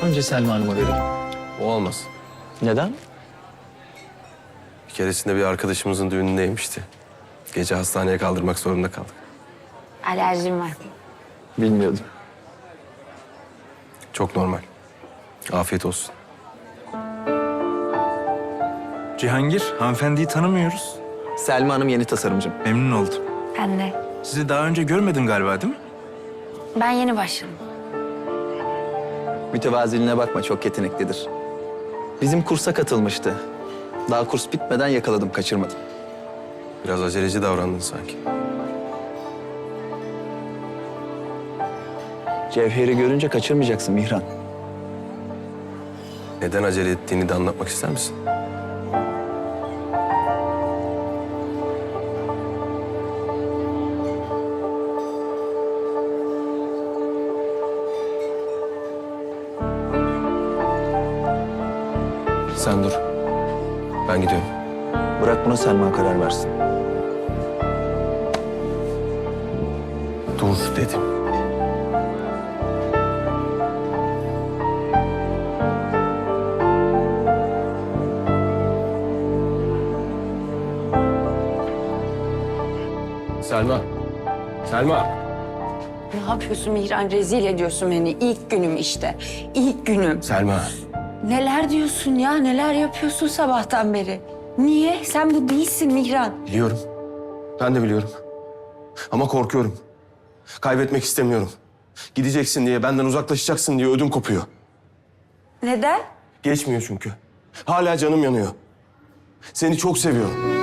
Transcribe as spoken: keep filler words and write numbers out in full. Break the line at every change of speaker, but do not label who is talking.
Önce Selma Hanım'a verelim.
O olmaz.
Neden?
Bir keresinde bir arkadaşımızın düğünündeymişti. Gece hastaneye kaldırmak zorunda kaldık.
Alerjim var.
Bilmiyordum.
Çok normal. Afiyet olsun.
Cihangir, hanımefendiyi tanımıyoruz.
Selma Hanım yeni tasarımcım.
Memnun oldum.
Ben de.
Sizi daha önce görmedim galiba, değil mi?
Ben yeni başladım.
Mütevaziliğine bakma, çok yeteneklidir. Bizim kursa katılmıştı. Daha kurs bitmeden yakaladım, kaçırmadım.
Biraz aceleci davrandın sanki.
Cevher'i görünce kaçırmayacaksın Mihran.
Neden acele ettiğini de anlatmak ister misin? Sen dur. Ben gidiyorum.
Bırak buna Selma karar versin.
Dur dedim. Selma. Selma.
Ne yapıyorsun Mihran? Rezil ediyorsun beni. İlk günüm işte. İlk günüm.
Selma.
Neler diyorsun ya? Neler yapıyorsun sabahtan beri? Niye? Sen bu değilsin Mihran.
Biliyorum. Ben de biliyorum. Ama korkuyorum. Kaybetmek istemiyorum. Gideceksin diye, benden uzaklaşacaksın diye ödüm kopuyor.
Neden?
Geçmiyor çünkü. Hala canım yanıyor. Seni çok seviyorum.